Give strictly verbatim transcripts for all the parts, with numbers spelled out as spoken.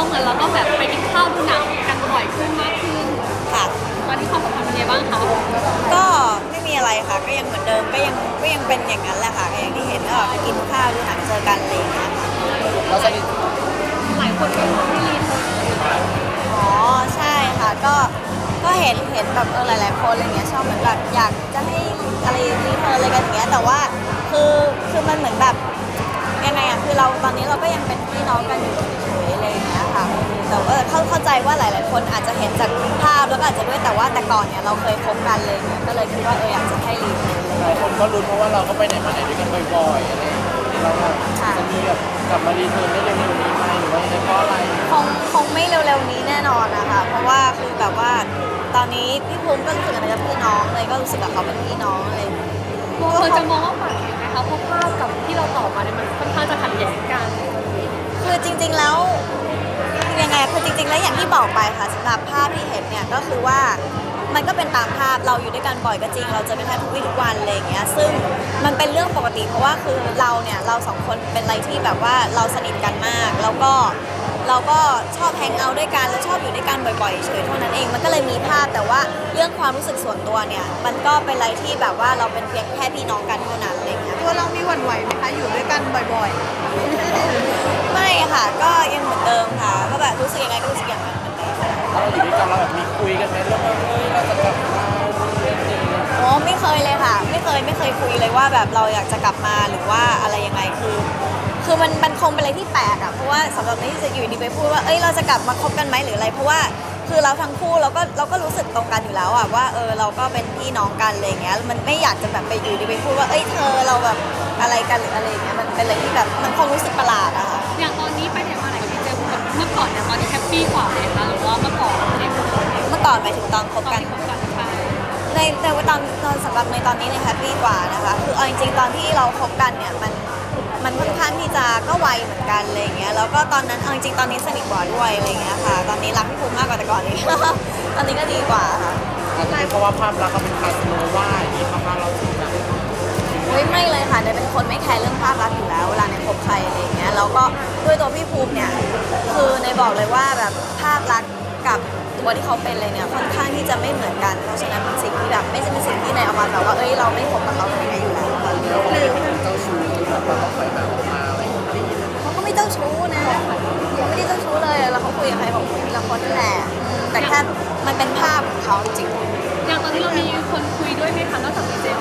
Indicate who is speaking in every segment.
Speaker 1: เหมือนเราก็แบบไปกินข้าวดูหนังกันบ่อยขึ้นมากขึ้น
Speaker 2: ค่ะ
Speaker 1: ตอนนี้ความสัมพันธ์เป็นไงบ้างคะ
Speaker 2: ก็ไม่มีอะไรค่ะก็ยังเหมือนเดิมก็ยังก็ยังเป็นอย่างนั้นแหละค่ะอย่างที่เห็นก็ไปกินข้าวดูหนังเจอกันอะไรอย่างเงี้ย
Speaker 3: เราสนิท
Speaker 1: หลายคนก็รู้ที่ลีน
Speaker 2: อ๋อใช่ค่ะก็ก็เห็นเห็นแบบเออหลายๆคนอะไรเงี้ยชอบเหมือนแบบอยากจะให้อะไรรีเทิร์นอะไรกันอย่างเงี้ยแต่ว่าคือคือมันเหมือนแบบยังไงอะคือเราตอนนี้เราก็ยังเป็นพี่น้องกันอยู่เฉยๆอะไรอย่างเงี้ยค่ะแต่ว่าเข้าเข้าใจว่าหลายๆคนอาจจะเห็นจากภาพแล้วก็อาจจะด้วยแต่ว่าแต่ก่อนเนี่ยเราเคยคบกันเลยเนี่ยก็เลยคิดว่าเอออยากจะให้รีเทิร์น
Speaker 3: หลายคนก็รุ้นเพราะว่าเราก็ไปไหนมาไหนด้วยกันบ่อยๆอะไรเราจะมีแบบกลับมารีเทิร์นได้เร็วๆนี้ไหมหรือว่าจะเพราะอะไร
Speaker 2: คงคงไม่เร็วๆนี้แน่นอนนะคะเพราะว่าคือแบบว่าตอนนี้พี่ภูมิก็รู้สึกอะไรกับพี่น้องเลยก็รู้สึกกับเขาเป็นพี่น้องอะไร
Speaker 1: มองเราจะมองว่าฝ่ายไหนคะเพราะภาพกับที่เราตอบมาเนี่ยมันค่อนข้างจะขัดแย้งกัน
Speaker 2: คือจริงๆแล้วยังไงคือจริงๆแล้วอย่างที่บอกไปค่ะสำหรับภาพที่เห็นเนี่ยก็คือว่ามันก็เป็นตามภาพเราอยู่ด้วยกันบ่อยก็จริงเราเจอกันแทบทุกวี่ทุกวันอะไรอย่างเงี้ยซึ่งมันเป็นเรื่องปกติเพราะว่าคือเราเนี่ยเราสองคนเป็นอะไรที่แบบว่าเราสนิทกันมากแล้วก็เราก็ชอบแฮงเอาท์ด้วยกันแล้วชอบอยู่ด้วยกันบ่อยๆเฉยเท่านั้นเองมันก็เลยมีภาพแต่ว่าเรื่องความรู้สึกส่วนตัวเนี่ยมันก็เป็นอะไรที่แบบว่าเราเป็นเพียงแค่พี่น้องกันเท่านั้นอะไรเงี้ย
Speaker 4: ตัวเรามีหวั่นไหวไหมคะอยู่ด้วยกันบ่อย
Speaker 2: ๆไม่ค่ะก็ยังเหมือนเดิมค่ะก็แบบรู้สึกยังไงก็รู้สึกอย่างนั้น
Speaker 3: เราอยู่ด้วยกันเราแบบมีคุยกันไหมเรื่องว่าเราจะกลับมา
Speaker 2: โอ้ไม่เคยเลยค่ะไม่เคยไม่เคยคุยเลยว่าแบบเราอยากจะกลับมาหรือว่าอะไรยังไงคือคือมันมันคงเป็นอะไรที่แปลกอะเพราะว่าสำหรับนี่จะอยู่ดีไปพูดว่าเอ้ยเราจะกลับมาคบกันไหมหรืออะไรเพราะว่าคือเราทั้งคู่เราก็เราก็รู้สึกตรงกันอยู่แล้วอะว่าเออเราก็เป็นพี่น้องกันอะไรอย่างเงี้ยมันไม่อยากจะแบบไปอยู่ดีไปพูดว่าเอ้ยเธอเราแบบอะไรกันหรืออะไรอย่างเงี้ยมันเป็นอะไรที่แบบมันคงรู้สึกประหลาดอะค่ะ
Speaker 1: อย่างตอนนี้ไปไหนมาไหนกับพี่เจมกับเมื่อก่อนเนี่ยตอนนี้แฮปปี้กว่าเลยคะหรือว่าเมื่อก่อนเนี่ย
Speaker 2: เมื่อก่อนไปถึงตอนคบกันในในตอนตอนสำหรับในตอนนี้เนี่ยแฮปปี้กว่านะคะคือเอาจริงๆตอนที่เราคบกันเนี่ยมันมันค่อนข้างที่จะก็ไวเหมือนกันอะไรอย่างเงี้ยแล้วก็ตอนนั้นเอาจริงๆตอนนี้สนิทกว่าด้วยอะไรอย่างเงี้ยค่ะตอนนี้รักพี่ภูมิมากกว่าแต่ก่อนนี้ตอนนี้ก็ดีกว่าค่ะ
Speaker 3: เพราะว่าภาพลักษณ์เขาเป็นคาสโนว่าอย่างนี้ภาพเราถึงแบบ
Speaker 2: เฮ้ยไม่เลยค่ะเนยเป็นคนไม่แคร์เรื่องภาพลักษณ์อยู่แล้วเวลาในคบใครอะไรอย่างเงี้ยแล้วก็ด้วยตัวพี่ภูมิเนี่ยคือในบอกเลยว่าแบบภาพลักษณ์กับตัวที่เขาเป็นเลยเนี่ยค่อนข้างที่จะไม่เหมือนกันเพราะฉะนั้นเป็นสิ่งที่แบบไม่ใช่เป็นสิ่งที่ในเอามาแบบว่าเอ้ยเราไม่คบกับเขาอะไรอย่างเงี้ยอยู่แล้ว
Speaker 3: หรือเจ้าชู้แบบเราต้องคอยแบบออกมาอะไรอย่างเงี้ย
Speaker 2: เขาก็ไม่เจ้าชู้นะเขาไม่ได้เจ้าชู้เลยแล้วเขาคุยกับใครของคุยทีละคนนั่นแหละแต่แค่มันเป็นภาพของเขาจริง
Speaker 1: อย่างตอนนี้เรามีคนคุยด้วยไหมคะนอกจากพี่เจม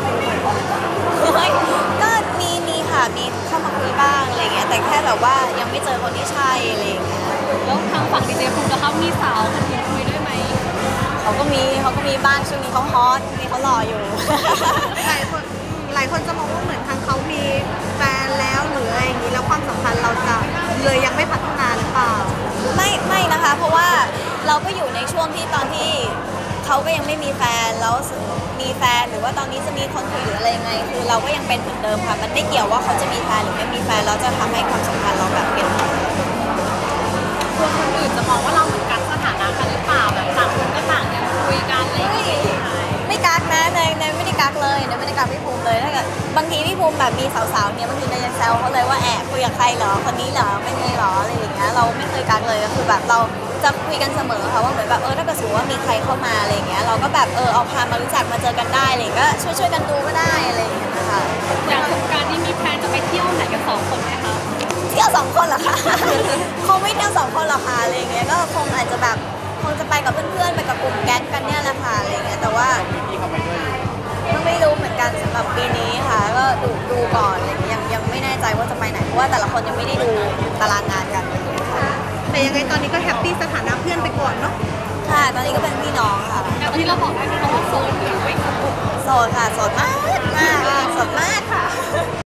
Speaker 2: ก็มีมีค่ะมีเข้ามาคุยบ้างอะไรเงี้ยแต่แค่แบบว่ายังไม่เจอคนที่ใช่อะไรอย่างเงี้ย
Speaker 1: แล้วทางฝั่งดีเจภูมินะคะมีสาวคนอื่นคุยด้วยไหม
Speaker 2: เขาก็มีเขาก็มีบ้างช่วงนี้เขาฮอตช่วงนี้เขาหล่ออยู่
Speaker 4: หลายคนหลายคนจะมองว่าเหมือนทางเขามีแฟนแล้วหรืออะไรอย่างนี้แล้วความสัมพันธ์เราจะเลยยังไม่พัฒนาหรือเปล่า
Speaker 2: ไม่ไม่นะคะเพราะว่าเราก็อยู่ในช่วงที่ตอนที่เขาก็ยังไม่มีแฟนแล้วมีแฟนหรือว่าตอนนี้จะมีคนคุยหรืออะไรยังไงคือเราก็ยังเป็นเหมือนเดิมค่ะมันไม่เกี่ยวว่าเขาจะมีแฟนหรือไม่มีแฟนเราจะทำให้ความสัมพันธ์เราแบบเปลี่ยน
Speaker 1: กลัวคนอื่นจะมองว่าเราเหมือนกันสถานะกันหรือเปล่าแบบต่างคนก็ต่างยังคุยกันอะไรอย่างเงี้ย
Speaker 2: ไม่กักนะเนยเนยไม่ได้กักเลยเนยไม่ได้กักพี่ภูมิเลยถ้าเกิดบางทีพี่ภูมิแบบมีสาวๆเนี่ยบางทีเนยยังแซวเขาเลยว่าแอบคุยกับใครเหรอคนนี้เหรอไม่มีเหรออะไรอย่างเงี้ยเราไม่เคยกักเลยก็คือแบบเราจะคุยกันเสมอค่ะว่าเหมือนแบบเออถ้าเกิดสมมติว่ามีใครเข้ามาอะไรอย่างเงี้ยเราก็แบบเออเอาพามารู้จักมาเจอกันได้อะไรก็ช่วยช่วยกันดูก็ได้อะไรอย่างเงี้ยนะคะ
Speaker 1: อย่างสงกรานต์นี่มีแพลนจะไปเที่ยวไหนกันสองคนไหมคะ
Speaker 2: เที่ยวสองคนเหรอคะคงไม่เที่ยวสองคนหรอกค่ะอะไรอย่างเงี้ยก็คงอาจจะแบบคงจะไปกับเพื่อนๆไปกับกลุ่มแก๊งกันเนี่ยแหละค่ะอะไรอย่างเงี้ยแต่ว่า
Speaker 3: พี่เขาไปด้วย
Speaker 2: ก็ไม่รู้เหมือนกันสำหรับปีนี้ค่ะก็ดูดูก่อนอะไรอย่างเงี้ยยังยังไม่แน่ใจว่าจะไปไหนเพราะว่าแต่ละคนยังไม่ได้ดูตารางงานกัน
Speaker 4: แต่ยังไงตอนนี้ก็แฮปปี้สถานะเพื่อนไปก่อนเนาะ
Speaker 2: ค่ะตอนนี้ก็เป็นพี่น้องค่ะ
Speaker 1: แต่ตอนนี้เราบอกได้ไหมคะว่าโสดหรือไม่โสด
Speaker 2: โสดค่ะโสดมากมากโสดมาก